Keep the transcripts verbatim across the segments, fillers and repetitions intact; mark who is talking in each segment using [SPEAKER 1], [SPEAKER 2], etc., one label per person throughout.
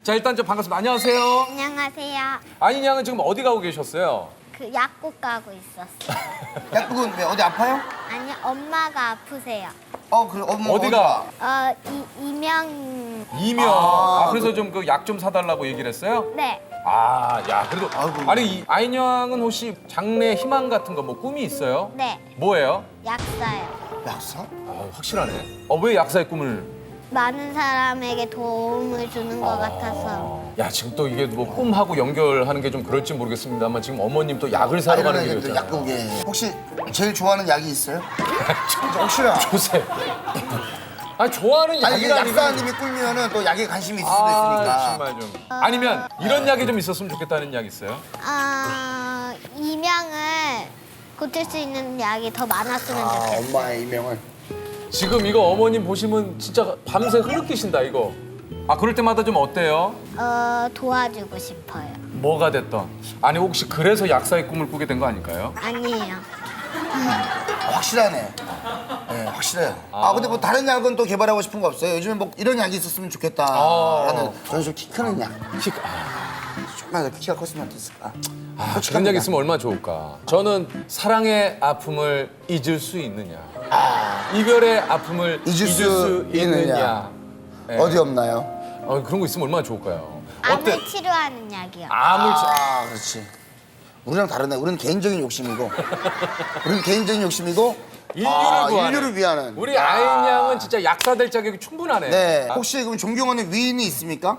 [SPEAKER 1] 자, 일단 좀 반갑습니다. 안녕하세요.
[SPEAKER 2] 안녕하세요.
[SPEAKER 1] 아인 양은 지금 어디 가고 계셨어요?
[SPEAKER 2] 그 약국 가고 있었어요.
[SPEAKER 3] 약국은 왜 어디 아파요?
[SPEAKER 2] 아니 엄마가 아프세요.
[SPEAKER 3] 어, 그래. 어머,
[SPEAKER 1] 어디가?
[SPEAKER 2] 어 이, 이명
[SPEAKER 1] 이명.
[SPEAKER 3] 아,
[SPEAKER 1] 아, 그래서 좀 그 약 좀 사달라고 얘기를 했어요?
[SPEAKER 2] 네.
[SPEAKER 1] 아, 야, 그래도.
[SPEAKER 3] 아이고.
[SPEAKER 1] 아니, 이 아인 양은 혹시 장래 희망 같은 거 뭐 꿈이 있어요?
[SPEAKER 2] 네.
[SPEAKER 1] 뭐예요?
[SPEAKER 2] 약사요.
[SPEAKER 3] 약사?
[SPEAKER 1] 아, 확실하네. 어, 왜 약사의 꿈을?
[SPEAKER 2] 많은 사람에게 도움을 주는 것 같아서.
[SPEAKER 1] 야, 지금 또 이게 뭐 꿈하고 연결하는 게 좀 그럴지 모르겠습니다만 지금 어머님 또 약을 사러 가는
[SPEAKER 3] 이러는
[SPEAKER 1] 길이었잖아요.
[SPEAKER 3] 약국에. 혹시 제일 좋아하는 약이 있어요? 진짜 혹시나.
[SPEAKER 1] 조세. 아니, 좋아하는
[SPEAKER 3] 아니, 이게
[SPEAKER 1] 약이라는
[SPEAKER 3] 약사님이 꿀면은 또 약에 관심이 있을 수도
[SPEAKER 1] 아,
[SPEAKER 3] 있으니까.
[SPEAKER 1] 정말 좀. 아니면 이런 약이 좀 있었으면 좋겠다는 약 있어요?
[SPEAKER 2] 아 이명을 고칠 수 있는 약이 더 많았으면
[SPEAKER 3] 아,
[SPEAKER 2] 좋겠어요.
[SPEAKER 3] 엄마의 이명을.
[SPEAKER 1] 지금 이거 어머님 보시면 진짜 밤새 흐느끼신다 이거. 아, 그럴 때마다 좀 어때요?
[SPEAKER 2] 어 도와주고 싶어요.
[SPEAKER 1] 뭐가 됐던. 아니, 혹시 그래서 약사의 꿈을 꾸게 된 거 아닐까요?
[SPEAKER 2] 아니에요.
[SPEAKER 3] 아, 확실하네. 네, 확실해요. 아, 근데 뭐 다른 약은 또 개발하고 싶은 거 없어요? 요즘에 뭐 이런 약이 있었으면 좋겠다라는.
[SPEAKER 1] 아.
[SPEAKER 3] 저는 좀 키 크는 약.
[SPEAKER 1] 키, 아,
[SPEAKER 3] 조금만 더 키가 컸으면 어땠을까?
[SPEAKER 1] 아,
[SPEAKER 3] 솔직한
[SPEAKER 1] 그런 약
[SPEAKER 3] 약.
[SPEAKER 1] 있으면 얼마나 좋을까. 저는 사랑의 아픔을 잊을 수 있느냐. 이별의 아픔을
[SPEAKER 3] 잊을
[SPEAKER 1] 잊을,
[SPEAKER 3] 수
[SPEAKER 1] 수 있느냐.
[SPEAKER 3] 있느냐.
[SPEAKER 1] 예.
[SPEAKER 3] 어디 없나요?
[SPEAKER 1] 어, 그런 거 있으면 얼마나 좋을까요? 어때?
[SPEAKER 2] 암을 치료하는 약이요.
[SPEAKER 1] 암을 치-
[SPEAKER 3] 아, 그렇지. 우리랑 다르네. 우리는 개인적인 욕심이고, 우리는 개인적인 욕심이고,
[SPEAKER 1] 인류를
[SPEAKER 3] 아,
[SPEAKER 1] 구하는.
[SPEAKER 3] 인류를 위하는.
[SPEAKER 1] 우리
[SPEAKER 3] 아.
[SPEAKER 1] 아인 양은 진짜 약사 될 자격이 충분하네.
[SPEAKER 3] 네.
[SPEAKER 1] 아,
[SPEAKER 3] 혹시 그럼 존경하는 위인이 있습니까?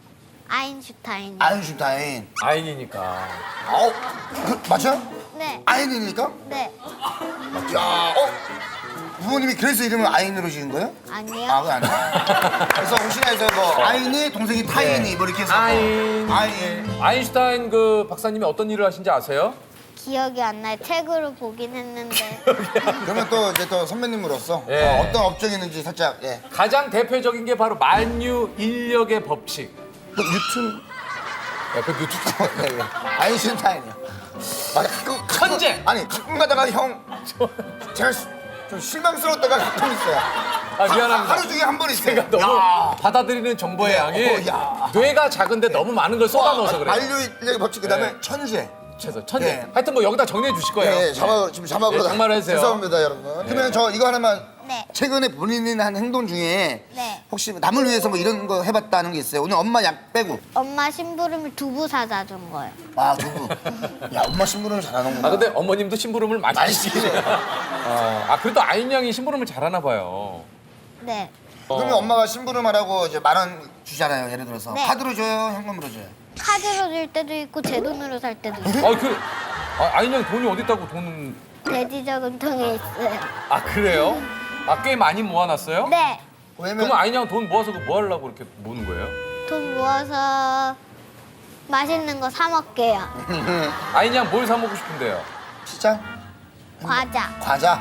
[SPEAKER 2] 아인슈타인.
[SPEAKER 3] 아인슈타인.
[SPEAKER 1] 아인이니까.
[SPEAKER 3] 어, 그, 맞아요?
[SPEAKER 2] 네.
[SPEAKER 3] 아인이니까?
[SPEAKER 2] 네.
[SPEAKER 3] 야, 어? 부모님이 그래서 이름을 아인으로 지은 거예요?
[SPEAKER 2] 아니요.
[SPEAKER 3] 아, 그거 아니에요. 그래서 혹시나 해서 뭐 아인이 동생이 타인이 뭐 이렇게 해서
[SPEAKER 1] 아인.
[SPEAKER 3] 아인.
[SPEAKER 1] 예. 아인슈타인 그 박사님이 어떤 일을 하신지 아세요?
[SPEAKER 2] 기억이 안 나요. 책으로 보긴 했는데.
[SPEAKER 3] 그러면 또 이제 또 선배님으로서
[SPEAKER 1] 예.
[SPEAKER 3] 어, 어떤 업종이있는지 살짝 예.
[SPEAKER 1] 가장 대표적인 게 바로 만유 인력의 법칙.
[SPEAKER 3] 그 뉴튼
[SPEAKER 1] 야, 그 유튜브.
[SPEAKER 3] 네, 네. 아인슈타인이요. 아, 가끔, 가끔-
[SPEAKER 1] 천재!
[SPEAKER 3] 아니 가끔 가다가 형 제가 시- 좀 실망스러울 때가 가끔 있어요.
[SPEAKER 1] 아, 미안합니다.
[SPEAKER 3] 하루 중에 한 번 있어요.
[SPEAKER 1] 제가 너무
[SPEAKER 3] 야.
[SPEAKER 1] 받아들이는 정보의
[SPEAKER 3] 네,
[SPEAKER 1] 양이
[SPEAKER 3] 어, 야.
[SPEAKER 1] 뇌가 작은데 너무 많은 걸 쏟아넣어서 그래요.
[SPEAKER 3] 만류인력의 법칙 그다음에
[SPEAKER 1] 네.
[SPEAKER 3] 천재.
[SPEAKER 1] 최소 천재.
[SPEAKER 3] 네.
[SPEAKER 1] 하여튼 뭐 여기다 정리해 주실 거예요.
[SPEAKER 3] 예, 예, 자막 지금 자막으로
[SPEAKER 1] 예,
[SPEAKER 3] 다-
[SPEAKER 1] 정말 해주세요.
[SPEAKER 3] 죄송합니다, 여러분. 그러면 저 이거 하나만
[SPEAKER 2] 네.
[SPEAKER 3] 최근에 본인이 한 행동 중에
[SPEAKER 2] 네.
[SPEAKER 3] 혹시 남을 위해서 뭐 이런 거 해봤다는 게 있어요? 오늘 엄마 약 빼고.
[SPEAKER 2] 엄마 심부름을 두부 사다 준 거예요.
[SPEAKER 3] 아, 두부. 야, 엄마 심부름 잘하는구나.
[SPEAKER 1] 아, 근데 어머님도 심부름을 많이
[SPEAKER 3] 많이
[SPEAKER 1] 시키세요.
[SPEAKER 3] 시키세요.
[SPEAKER 1] 아, 아, 그래도 아인 양이 심부름을 잘하나 봐요.
[SPEAKER 2] 네.
[SPEAKER 3] 그러면
[SPEAKER 1] 어.
[SPEAKER 3] 엄마가 심부름하라고 이제 만 원 주잖아요, 예를 들어서.
[SPEAKER 2] 네.
[SPEAKER 3] 카드로 줘요, 현금으로 줘요?
[SPEAKER 2] 카드로 줄 때도 있고 제 돈으로 살 때도 있고.
[SPEAKER 1] 아, 그 아, 아인 양 돈이 어디 있다고 돈은.
[SPEAKER 2] 돼지 저금통에 있어요.
[SPEAKER 1] 아, 그래요? 아, 꽤 많이 모아놨어요?
[SPEAKER 2] 네.
[SPEAKER 3] 왜냐면
[SPEAKER 1] 그러면 아인 양 돈 모아서 그 뭐 하려고 이렇게 모는 거예요?
[SPEAKER 2] 돈 모아서 맛있는 거 사 먹게요.
[SPEAKER 1] 아인 양 뭘 사 먹고 싶은데요?
[SPEAKER 3] 피자?
[SPEAKER 2] 과자.
[SPEAKER 3] 과자?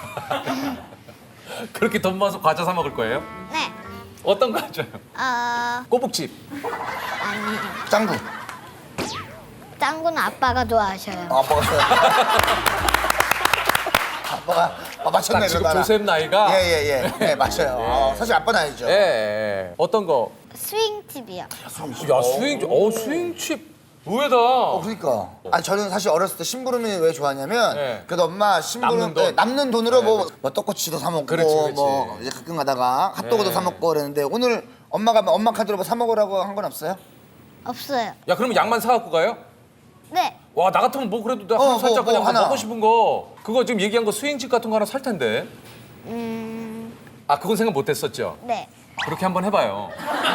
[SPEAKER 1] 그렇게 돈 모아서 과자 사 먹을 거예요?
[SPEAKER 2] 네.
[SPEAKER 1] 어떤 과자요?
[SPEAKER 2] 어
[SPEAKER 1] 꼬북집.
[SPEAKER 2] 아니.
[SPEAKER 3] 짱구?
[SPEAKER 2] 짱구는 아빠가 좋아하셔요.
[SPEAKER 3] 아, 아빠가 아빠가 아, 맞췄네,
[SPEAKER 1] 딱 지금
[SPEAKER 3] 그러다가.
[SPEAKER 1] 조셉 나이가.
[SPEAKER 3] 예, 예, 예. 네, 맞아요. 어, 사실 아빠는 아니죠.
[SPEAKER 1] 예, 예. 어떤 거?
[SPEAKER 2] 스윙집이요.
[SPEAKER 1] 야, 스윙, 어, 스윙칩. 의외다.
[SPEAKER 3] 어, 그러니까. 아니, 저는 사실 어렸을 때 심부름이 왜 좋았냐면,
[SPEAKER 1] 네.
[SPEAKER 3] 그래도 엄마 심부름
[SPEAKER 1] 남는 돈.
[SPEAKER 3] 네, 남는 돈으로
[SPEAKER 1] 네,
[SPEAKER 3] 뭐,
[SPEAKER 1] 그렇지.
[SPEAKER 3] 뭐 떡꼬치도 사 먹고,
[SPEAKER 1] 그렇지, 그렇지.
[SPEAKER 3] 뭐 이제 가끔 가다가 핫도그도
[SPEAKER 1] 네.
[SPEAKER 3] 사 먹고 그랬는데 오늘 엄마가 뭐 엄마 카드로 뭐 사 먹으라고 한 건 없어요?
[SPEAKER 2] 없어요.
[SPEAKER 1] 야, 그러면 양만 사갖고 가요?
[SPEAKER 2] 네.
[SPEAKER 1] 와, 나 같으면 뭐 그래도 내가
[SPEAKER 3] 어,
[SPEAKER 1] 하나
[SPEAKER 3] 뭐,
[SPEAKER 1] 살짝
[SPEAKER 3] 뭐
[SPEAKER 1] 그냥
[SPEAKER 3] 하나.
[SPEAKER 1] 먹고 싶은 거. 그거 지금 얘기한 거 스윙칩 같은 거 하나 살 텐데.
[SPEAKER 2] 음.
[SPEAKER 1] 아, 그건 생각 못 했었죠?
[SPEAKER 2] 네.
[SPEAKER 1] 그렇게 한번 해봐요.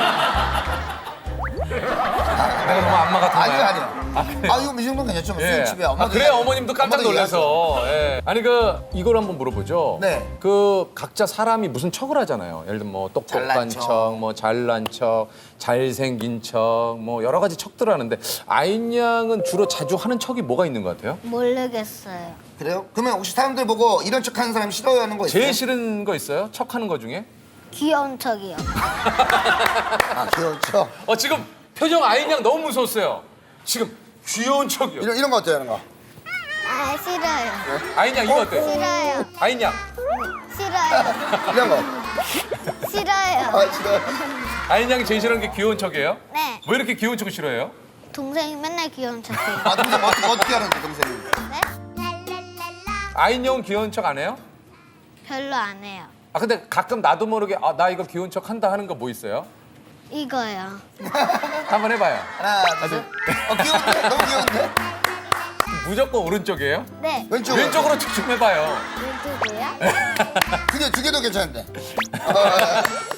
[SPEAKER 1] 내가 너무 안마 같은가요?
[SPEAKER 3] 아니요, 아니요.
[SPEAKER 1] 아, 그래요?
[SPEAKER 3] 아, 이거 이 정도는 괜찮죠. 뭐
[SPEAKER 1] 예.
[SPEAKER 3] 스윙칩에 엄마
[SPEAKER 1] 아, 그래 어머님도 깜짝 놀라서. 예. 아니 그 이걸 한번 물어보죠.
[SPEAKER 3] 네.
[SPEAKER 1] 그 각자 사람이 무슨 척을 하잖아요. 예를 들면 뭐 똑똑한
[SPEAKER 3] 잘난
[SPEAKER 1] 척,
[SPEAKER 3] 척.
[SPEAKER 1] 뭐 잘난 척, 잘생긴 척, 뭐 여러 가지 척들 하는데 아인 양은 주로 자주 하는 척이 뭐가 있는 것 같아요?
[SPEAKER 2] 모르겠어요.
[SPEAKER 3] 그래요? 그러면 혹시 사람들 보고 이런 척 하는 사람 싫어하는 거 있어요?
[SPEAKER 1] 제일 싫은 거 있어요? 척하는 거 중에?
[SPEAKER 2] 귀여운 척이요.
[SPEAKER 3] 아, 귀여운 척.
[SPEAKER 1] 어 지금 표정 아인 양 너무 무서웠어요. 지금 귀여운 척이요.
[SPEAKER 3] 이런, 이런 거 어때요, 이런 거?
[SPEAKER 2] 아 싫어요.
[SPEAKER 1] 아인 양 이거 어때?
[SPEAKER 2] 싫어요.
[SPEAKER 1] 아인 양.
[SPEAKER 2] 싫어요.
[SPEAKER 3] 이런 거.
[SPEAKER 2] 싫어요.
[SPEAKER 3] 아 싫어.
[SPEAKER 1] 아인 양이 제일 싫어하는 게 귀여운 척이에요?
[SPEAKER 2] 네.
[SPEAKER 1] 왜 이렇게 귀여운 척을 싫어해요?
[SPEAKER 2] 동생이 맨날 귀여운 척해요.
[SPEAKER 3] 아 동생 어떻게 어떻게 하는데 동생이?
[SPEAKER 2] 네?
[SPEAKER 1] 아인 양은 귀여운 척 안 해요?
[SPEAKER 2] 별로 안 해요.
[SPEAKER 1] 아 근데 가끔 나도 모르게 아, 나 이거 귀여운 척 한다 하는 거 뭐 있어요?
[SPEAKER 2] 이거요.
[SPEAKER 1] 한번 해봐요.
[SPEAKER 3] 하나 둘 셋. 어 귀여운데? 너무 귀여운데?
[SPEAKER 1] 무조건 오른쪽이에요?
[SPEAKER 2] 네.
[SPEAKER 3] 왼쪽.
[SPEAKER 1] 왼쪽으로 척 좀 해봐요.
[SPEAKER 2] 왼쪽이요?
[SPEAKER 3] 두개 두 개도 괜찮은데. 어,